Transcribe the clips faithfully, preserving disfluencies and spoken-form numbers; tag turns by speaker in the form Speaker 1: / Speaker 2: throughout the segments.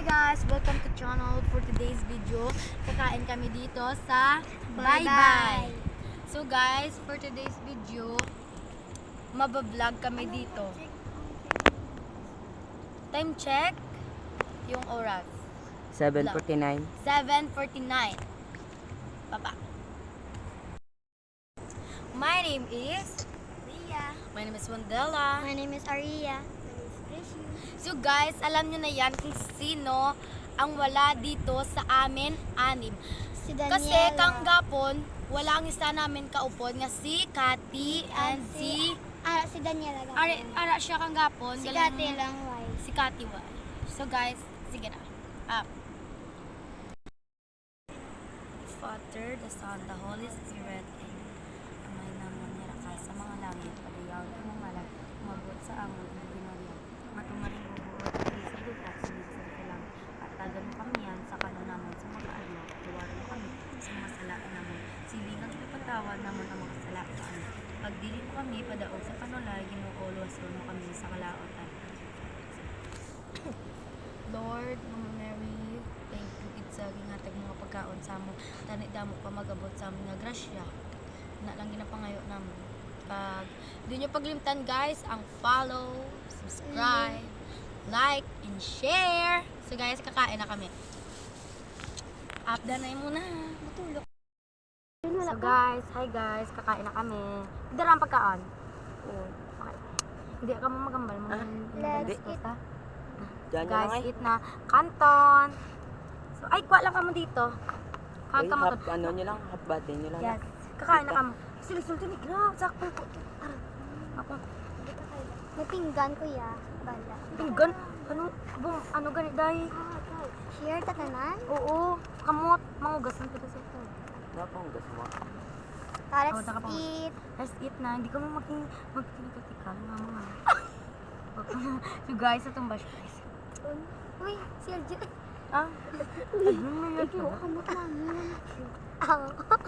Speaker 1: guys! Welcome to channel for today's video. Kakain kami dito sa Bye Bye. So guys, for today's video, mabablog kami dito. Time check, yung oras.
Speaker 2: seven forty-nine.
Speaker 1: seven forty-nine. Papa. My name is
Speaker 3: Ria.
Speaker 1: My name is Wandela.
Speaker 3: My name is Aria. My name is Precious.
Speaker 1: So guys, alam nyo na yan kung sino ang wala dito sa amin anim.
Speaker 3: Si Daniela.
Speaker 1: Kasi kanggapon, wala ang isa namin kaupod nga si Cathy and si...
Speaker 3: Ah, si Daniela lang.
Speaker 1: Ara, ara siya kanggapon.
Speaker 3: Si
Speaker 1: galing-
Speaker 3: Kati lang, why?
Speaker 1: Si Cathy wa. So guys, sige na. Up. Father, the Son, the Holy Spirit, Amen. Amay naman nira ka sa mga langit, padayaw ng mga malag, umabot sa amon, ang ginariyan. Matumaring bubuot, at sa buta, sinisir ka lang. At tagan mo kami yan sa kano naman sa mga adlaw. Tuwarin mo kami sa mga salaan naman. Silingang ipatawad naman ang mga salaan. Pagdili mo kami, padaog sa panulay, ginuulo, asul mo kami sa kalaotan. Lord, Mama Mary, thank you gid sa ginhatag mga pagkaon sa amo. Tani damo pa magabot sa among nga grasya. Na lang ginapangayo namo. Pag di nyo paglimtan guys, ang follow, subscribe, like, and share. So guys, kakain na kami. Upda na yun muna. Matulog. So guys, hi guys, kakain na kami. Dara ang pagkaon. Oo. Okay. Hindi ka mo magambal mo.
Speaker 3: Let's
Speaker 1: eat. Ha?
Speaker 2: Diyan na
Speaker 1: Guys,
Speaker 2: lang eh.
Speaker 1: eat na canton. So, ay, kwa lang kamo dito. Kag
Speaker 2: Uy,
Speaker 1: ka
Speaker 2: half,
Speaker 1: matut-
Speaker 2: ano nyo lang, half bate nyo lang.
Speaker 1: Yes. Kakain na kamo. Sul-sul to migra. Sakto po. Tara. Ako.
Speaker 3: May pinggan ko ya. Bala.
Speaker 1: Tinggan. Ano? Bum, ano gani dai?
Speaker 3: Share ta tanan.
Speaker 1: Oo. Kamot. Mangugasan ko sa ito.
Speaker 2: Napanggas mo.
Speaker 3: Let's
Speaker 1: Oh, taka pa.
Speaker 3: eat.
Speaker 1: Let's eat na. Hindi ko mo maging magkinatikal nga mga. So guys, itong bash guys.
Speaker 3: Uy, si Aljo.
Speaker 1: Ah? Ano mo yun?
Speaker 3: Ikaw, kamot namin. Aw.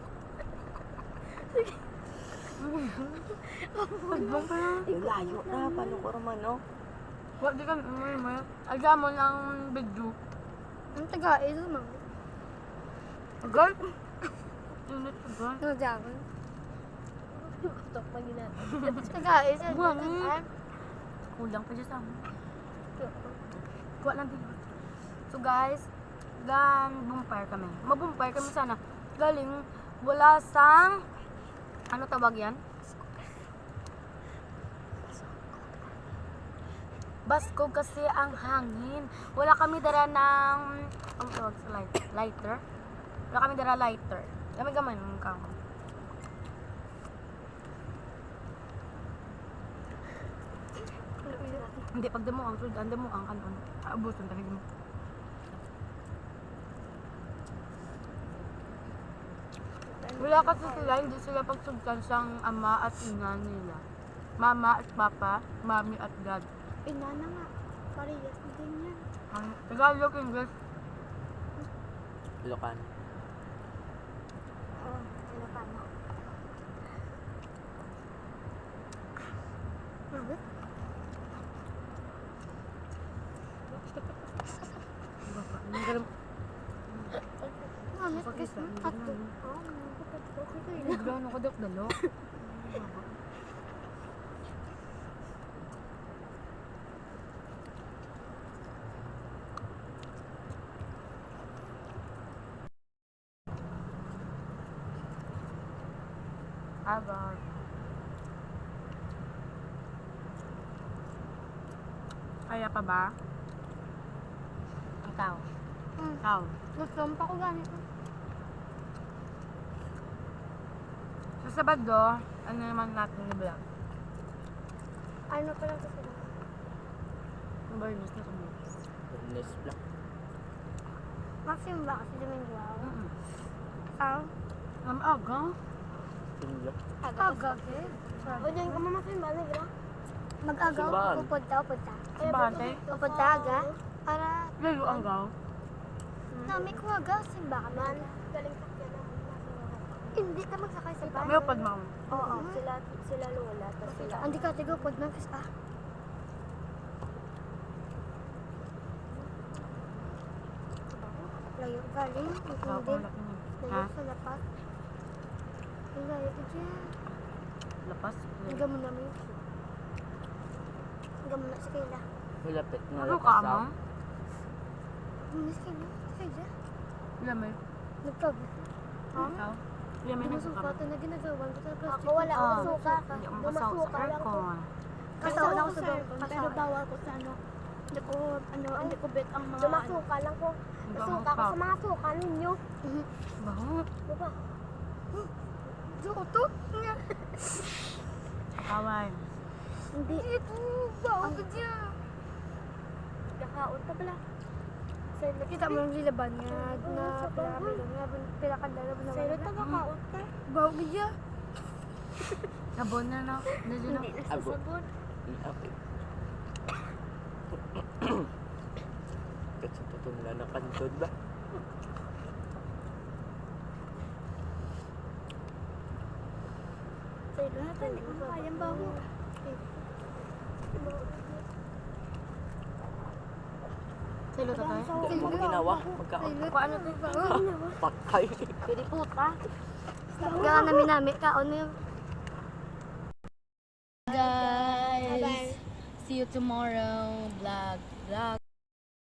Speaker 1: Pagbang pa na.
Speaker 2: Yung layo na, paano ko naman, no?
Speaker 1: Wag di ka may may. Aga mo lang video.
Speaker 3: Ang taga ito man.
Speaker 1: Agad? Unit agad.
Speaker 3: No jagon.
Speaker 1: Tok pa nila.
Speaker 3: Taga ito.
Speaker 1: Buwan eh. Kulang pa dyan sa amin. Kuha lang din. So guys, gan bumpire kami. Mabumpire kami sana. Galing wala sang ano tawag yan? Baskog kasi ang hangin. Wala kami dara ng ang tawag sa light, lighter. Wala kami dara lighter. Kami gamay ng kamo. Hindi pag demo ang sud, ang demo ang kanon. Aabuson talaga mo. Wala kasi sila, hindi sila pagsugkan sang ama at ina nila. Mama at papa, mami at dad.
Speaker 3: Inana nga. Parehas din yan.
Speaker 1: Ang Tagalog, English,
Speaker 2: Lokan.
Speaker 3: Oh, ano pa na? Bakit?
Speaker 1: ang garam.
Speaker 3: Ano?
Speaker 1: Pakisa, ang
Speaker 3: Tato.
Speaker 1: garam.
Speaker 3: Oh, okay ko
Speaker 1: Ay, gano'n ko dok dalo. Agad. Kaya pa ba? Ang tao.
Speaker 3: Hmm.
Speaker 1: Tao.
Speaker 3: Gusto pa ko ganito.
Speaker 1: Sa Sabado, ano naman natin ni vlog?
Speaker 3: Ano pa lang kasi.
Speaker 1: Ang barnis na kami.
Speaker 2: Goodness black.
Speaker 3: Maximum ba kasi Domingo?
Speaker 1: Mm-mm.
Speaker 3: Ang?
Speaker 1: Ang aga.
Speaker 2: Pinlock.
Speaker 3: Aga. O dyan ka mamasin ba? Nagra? Mag-agaw?
Speaker 2: Simbahan.
Speaker 3: Upod ta, upod ta.
Speaker 1: Simbahan tayo?
Speaker 3: Upod ta, aga? Para...
Speaker 1: Layo ang gaw.
Speaker 3: Nami ko aga, simba ka man. Galing sakyan na hindi ka magsakay sa bahay.
Speaker 1: May upad mo.
Speaker 3: Oo. Sila, sila lola. Tapos sila... Hindi ka tigo, upod man. Ah. layo galing. Ang
Speaker 4: Sarap
Speaker 3: hindi.
Speaker 4: ang laki niya.
Speaker 3: Layo
Speaker 4: Ha?
Speaker 3: sa lapas. Ang layo ko dyan.
Speaker 4: Lapas.
Speaker 3: Hanggang mo namin. Hanggang mo na si Kayla.
Speaker 2: Malapit nga
Speaker 4: Ano
Speaker 2: lang
Speaker 4: ka,
Speaker 2: sa-
Speaker 4: mo?
Speaker 3: Hanggang si Kayla. Si Kayla.
Speaker 4: Lamay.
Speaker 3: Nagkabi.
Speaker 4: Ikaw? Lamay
Speaker 3: Hindi
Speaker 4: na
Speaker 3: mo suka.
Speaker 4: suka.
Speaker 3: Ito na ginagawan ko sa plastic.
Speaker 5: Ako wala
Speaker 4: Ah.
Speaker 5: akong suka.
Speaker 4: Hindi ako
Speaker 5: Dumasuka
Speaker 4: masaw sa
Speaker 5: lang ko.
Speaker 4: aircon.
Speaker 3: Kasama
Speaker 5: Kasama
Speaker 3: ko sa aircon,
Speaker 5: Pero
Speaker 3: kasama.
Speaker 5: bawal ko sa ano. Hindi ko, ano, hindi ko bet ang mga...
Speaker 3: Dumasuka lang ko.
Speaker 4: Hindi ako
Speaker 3: Nasuka ko
Speaker 4: pop.
Speaker 3: sa mga suka ninyo.
Speaker 4: Baho.
Speaker 3: Diba? Suko to?
Speaker 4: Kaway.
Speaker 3: Hindi. Ito. Bawa ka dyan.
Speaker 5: Kakaon pa pala.
Speaker 3: Kita mo yung lilaban nga na pinakamay lang nga pinakandala mo
Speaker 5: Sa'yo
Speaker 3: naman.
Speaker 5: ito kakaon ka.
Speaker 3: Bawa ka dyan.
Speaker 4: Sabon na no. Hindi na.
Speaker 5: Hindi
Speaker 2: Abo.
Speaker 5: nagsasabon.
Speaker 2: Okay. Kasi tutong na ng kantod ba?
Speaker 5: Sa'yo lahat, hindi ko makayang baho.
Speaker 4: Silo ta tayo.
Speaker 2: Hindi mo ginawa. Magkaon.
Speaker 4: Paano to?
Speaker 2: Patay.
Speaker 5: Pwede puta.
Speaker 3: Gana namin namin kaon mo yung
Speaker 1: Guys, see you tomorrow. Vlog, vlog.